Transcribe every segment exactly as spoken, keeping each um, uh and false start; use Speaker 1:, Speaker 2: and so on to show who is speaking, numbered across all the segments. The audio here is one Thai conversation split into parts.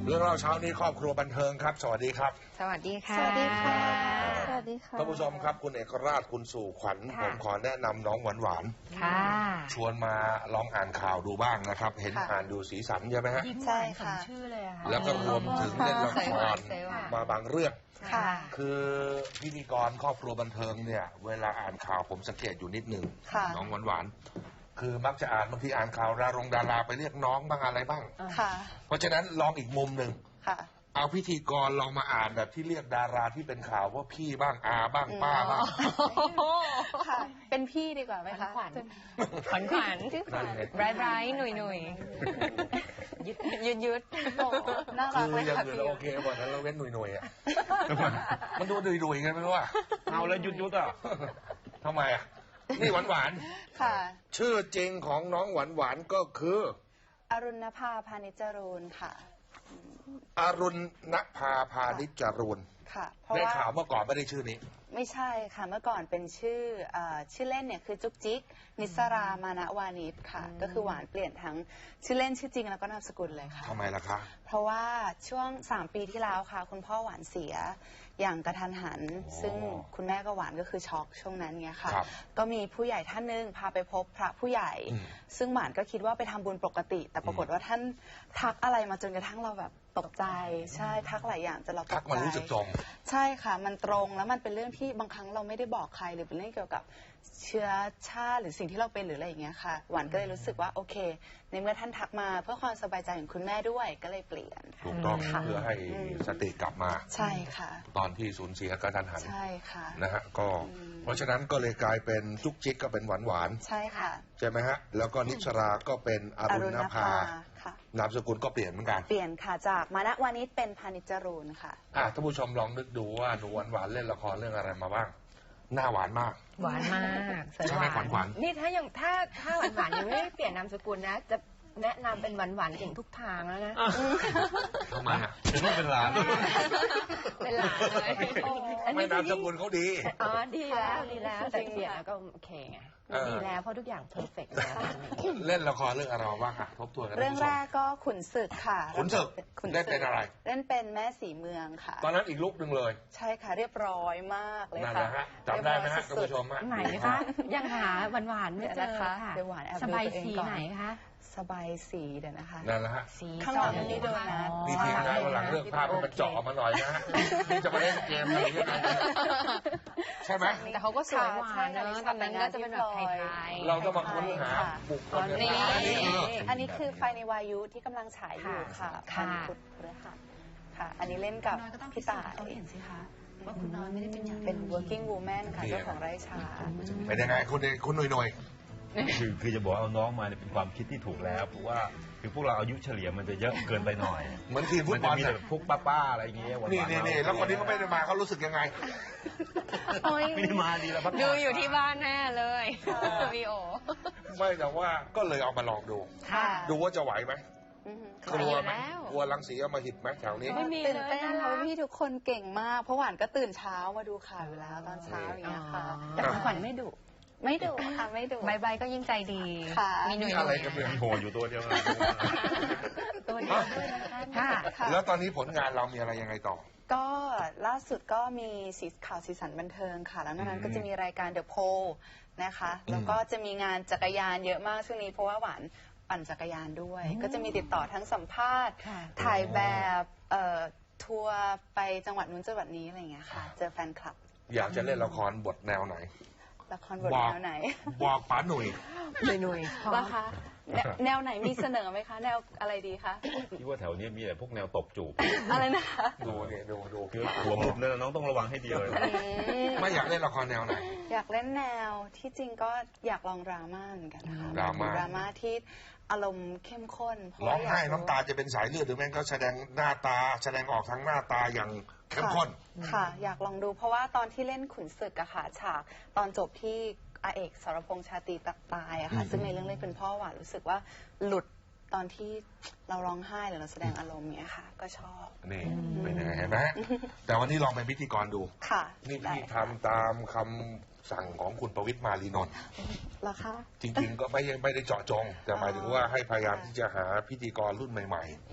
Speaker 1: เรื่องเล่าเช้านี้ครอบครัวบันเทิงครับสวัสดีครับ
Speaker 2: สวัสดีค่ะ
Speaker 3: สวัสดีค่ะสวัสดีค่ะ
Speaker 1: ท่านผู้ชมครับคุณเอกราชคุณสู่ขวัญผมขอแนะนำน้องหวานหวาน
Speaker 2: ค่ะ
Speaker 1: ชวนมาลองอ่านข่าวดูบ้างนะครับเห็นอ่านดูสีสันใช่ไหมฮะ
Speaker 2: ใช่ค่ะชื่อเลยค่ะ
Speaker 1: แล้วก็รวมถึงเล่นละครมาบางเรื่อง
Speaker 2: ค่ะ
Speaker 1: คือพิธีกรครอบครัวบันเทิงเนี่ยเวลาอ่านข่าวผมสังเกตอยู่นิดนึงน้องหวานหวานคือมักจะอ่านบางทีอ่านข่าวดารงดาราไปเรียกน้องบ้างอะไรบ้าง
Speaker 3: ค่ะ
Speaker 1: เพราะฉะนั้นลองอีกมุมหนึ่ง
Speaker 3: ค่ะ
Speaker 1: เอาพิธีกรลองมาอ่านแบบที่เรียกดาราที่เป็นข่าวว่าพี่บ้างอาบ้างป้าบ้าง
Speaker 3: ค่ะเป็นพี่ดีกว่าไหมคะ
Speaker 2: ขวัญขวัญขวัญไบรท์ไบรท์หนุ่ยหนุ่ยยุดยุดยุด
Speaker 3: น่ารักเลยค่ะ
Speaker 1: พี่โอเคหมดแล้วเราเว้นหนุ่ยหนุ่ยอ่ะมันดูดุยดุยกันไม่รู้อ่ะเอาแล้วยุดยุดอ่ะทำไมอ่ะนี่หวานหวาน
Speaker 3: ค่ะ
Speaker 1: ชื่อจริงของน้องหวานหวานก็คือ
Speaker 3: อรุณภาพานิจจรูนค่ะ
Speaker 1: อรุณณภาพานิจจรูน
Speaker 3: ค่ะ
Speaker 1: ในข่าวเมื่อก่อนไม่ได้ชื่อนี้
Speaker 3: ไม่ใช่ค่ะเมื่อก่อนเป็นชื่อชื่อเล่นเนี่ยคือจุกจิกนิสรามานะวานิชค่ะก็คือหวานเปลี่ยนทั้งชื่อเล่นชื่อจริงแล้วก็นามสกุลเลยค่ะ
Speaker 1: ทำไมล่ะคะ
Speaker 3: เพราะว่าช่วงสามปีที่แล้วค่ะคุณพ่อหวานเสียอย่างกระทันหันซึ่งคุณแม่ก็หวานก็คือช็อกช่วงนั้นเนี่ยค่ะก็มีผู้ใหญ่ท่านนึงพาไปพบพระผู้ใหญ่ซึ่งหวานก็คิดว่าไปทำบุญปกติแต่ปรากฏว่าท่านทักอะไรมาจนกระทั่งเราแบบตกใจใช่ทักหลายอย่างจนเราตกใจ
Speaker 1: ทักมันรู้สึกตรง
Speaker 3: ใช่ค่ะมันตรงแล้วมันเป็นเรื่องที่บางครั้งเราไม่ได้บอกใครหรือเป็นเรื่องเกี่ยวกับเชื้อชาติหรือสิ่งที่เราเป็นหรืออะไรอย่างเงี้ยค่ะหวานก็เลยรู้สึกว่าโอเคในเมื่อท่านทักมาเพื่อความสบายใจของคุณแม่ด้วยก็เลยเปลี่ยน
Speaker 1: ถูกต้องเพื่อให้สติกลับมา
Speaker 3: ใช่ค่ะ
Speaker 1: ตอนที่สูญเสียกระทันหัน
Speaker 3: ใช่ค่ะ
Speaker 1: นะฮะก็เพราะฉะนั้นก็เลยกลายเป็นจุกจิกก็เป็นหวานหวาน
Speaker 3: ใช่ค่ะ
Speaker 1: ใช่ไหมฮะแล้วก็นิชราก็เป็นอรุณภานามสกุลก็เปลี่ยนเหมือนกัน
Speaker 3: เปลี่ยนค่ะจากมานะวานิชเป็นพานิจจรูนค่ะ
Speaker 1: อ่ะท่านผู้ชมลองนึกดูว่าหนูหวานหวานเล่นละครเรื่องอะไรมาบ้างหน้าหวานมาก
Speaker 2: หวานมาก
Speaker 1: ใช่ไหมขวัญขวัญ
Speaker 2: นี่ถ้ายังถ้าถ้าหวานหวานยังไม่เปลี่ยนนามสกุลนะจะแนะนำเป็นหวานหวานเก่งทุกทางแล้วนะ
Speaker 1: ทำไมอ่ะ
Speaker 4: เป็นว่าเป็นหลาน
Speaker 2: เป็นหลานเลย
Speaker 1: ไม่นามสกุลเขาดี
Speaker 2: อ๋อดีแล้วดีแล้วแต่เปลี่ยนแล้วก็โอเคไงดีแล้วเพราะทุกอย่างเพอร์เฟกต์แล้ว
Speaker 1: เล่นละครเรื่องอะไรบ้างคะทบทวนกัน
Speaker 3: เรื่องแรกก็ขุนศึกค่ะ
Speaker 1: ขุนศึกเล่นเป็นอะไร
Speaker 3: เล่นเป็นแม่สีเมืองค่ะ
Speaker 1: ตอนนั้นอีกลุกหนึ่งเลย
Speaker 3: ใช่ค่ะเรียบร้อยมากเลยค่ะ
Speaker 1: นั่นแหละฮะจำได้ไหมฮะท่านผู้ชม
Speaker 2: ไหนคะยังหาหวานหวานไม่เจอค่ะสบายสีไหนคะ
Speaker 3: สบายสีเดี๋ยวนะคะ
Speaker 1: นั่นแหละฮะ
Speaker 3: ข้างหลังนี่โดนัท
Speaker 1: มีทีมงานวันหลังเลือกภาพมันเจาะมาหน่อยนะนี่จะมาเล่นเกมอะไรอย่างเงี้ยใช่ไหม
Speaker 2: แต่เขาก็สวยหวานนะตอนนั้นก็จะเป็นแบบไทย
Speaker 1: ๆเราต้องมาค้นหาบุคคล
Speaker 3: นี้อันนี้คือไฟในวายุที่กำลังฉายอยู่ค่ะพันพุทธพฤหัสค่ะอันนี้เล่นกับพี่ต่าย
Speaker 2: เห็นสิคะว่าคุณน้อยไม่ได้เป็นอย่าง
Speaker 3: เป็น working woman ค่ะเจ้าของไร่ชา
Speaker 1: เป็นยังไงคุณคุณหน่อยหน่อย
Speaker 4: คือคือจะบอกเอาน้องมาเนี่ยเป็นความคิดที่ถูกแล้วเพราะว่าคือพวกเราอายุเฉลี่ยมันจะเยอะเกินไปหน่อย
Speaker 1: เหมือนทีมฟุตบอล
Speaker 4: มีแต่พวกป้าๆอะไรอย่างเงี้ย
Speaker 1: นี่นี่นี่แล้วคนนี้ก็ไม่ได้มาเขารู้สึกยังไง
Speaker 4: ไม่ได้มาดีแล้วพัก
Speaker 2: ดูอยู่ที่บ้านแน่เลยวีโอ
Speaker 1: ไม่แต่ว่าก็เลยเอามาลองดูดูว่าจะไหวไหมกลัวไหมกลัวรังสีเอามาหิดไหมแถวนี้
Speaker 3: ไม่มีตื่นเต้นเพราะพี่ทุกคนเก่งมากเพราะหวานก็ตื่นเช้ามาดูข่าวเวลาตอนเช้าอย่างเงี้ยค่ะ
Speaker 2: แต่ขวัญไม่ดุ
Speaker 3: ไม่ดุค่ะไม่ดุ
Speaker 2: ใบใบก็ยิ่งใจดี
Speaker 3: มี
Speaker 1: หนุ่ยอะไรกันเนี่ย
Speaker 4: โหอยู่ตัวเดียว
Speaker 2: ตัวเดียวด้วยนะคะ
Speaker 1: แล้วตอนนี้ผลงานเรามีอะไรยังไงต่อ
Speaker 3: ก็ล่าสุดก็มีสีข่าวสีสันบันเทิงค่ะแล้วนั้นก็จะมีรายการเดอะโพลนะคะแล้วก็จะมีงานจักรยานเยอะมากช่วงนี้เพราะว่าหวานปั่นจักรยานด้วยก็จะมีติดต่อทั้งสัมภาษณ์ถ่ายแบบทัวร์ไปจังหวัดนู้นจังหวัดนี้อะไรอย่างเงี้ยค่ะเจอแฟนคลับ
Speaker 1: อยากจะเล่นละครบทแนวไหน
Speaker 3: ละครบทแนวไหน
Speaker 1: บอกป๋าหนุ่ย
Speaker 2: หนุ่ยหนุ่ย
Speaker 3: ว่าคะแนวไหนมีเสนอไหมคะแนวอะไรดีคะ
Speaker 4: คิดว่าแถวนี้มีแต่พวกแนวตบจูบ
Speaker 3: อะไรนะคะ
Speaker 1: ดูเนี่ยดูดู
Speaker 4: คือหัวมุมเนี่ยน้องต้องระวังให้ดีเลย
Speaker 1: ไม่อยากเล่นละครแนวไหน
Speaker 3: อยากเล่นแนวที่จริงก็อยากลองดราม่าเหมือนกันนะคะ
Speaker 1: ดราม่า
Speaker 3: ดราม่าที่อารมณ์เข้มข้น
Speaker 1: ร้องไห้น้ำตาจะเป็นสายเลือดหรือแม่งก็แสดงหน้าตาแสดงออกทางหน้าตาอย่างเข้มข้น
Speaker 3: ค่ะอยากลองดูเพราะว่าตอนที่เล่นขุนศึกอะค่ะฉากตอนจบที่อาเอกสรพงษ์ชาตรีตายอะค่ะซึ่งในเรื่องเล่นเป็นพ่อหวานรู้สึกว่าหลุดตอนที่เราร้องไห้หรือเราแสดงอารมณ์เนี้ยค่ะก็ชอบ
Speaker 1: นี่เป็นยังไงเห็นไหมแต่วันนี้ลองเป็นพิธีกรดู
Speaker 3: ค่ะ
Speaker 1: นี่พี่ทำตามคำสั่งของคุณประวิตรมาลีนนท์
Speaker 3: เหรอคะ
Speaker 1: จริงๆก็ไม่ไม่ได้เจาะจงแต่หมายถึงว่าให้พยายามที่จะหาพิธีกรรุ่นใหม่ๆ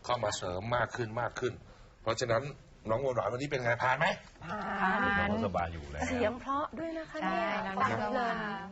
Speaker 1: เข้ามาเสริมมากขึ้นมากขึ้น เพราะฉะนั้นน้องหวานวันนี้เป็นไงผ่านไหม
Speaker 2: ผ่าน
Speaker 4: สบายอยู่แล้ว
Speaker 5: เสียงเพราะด้วยนะคะ
Speaker 2: ใช่
Speaker 5: เนี่ย
Speaker 2: แล้ว
Speaker 5: ฟัง
Speaker 2: น้อง
Speaker 5: เพลิน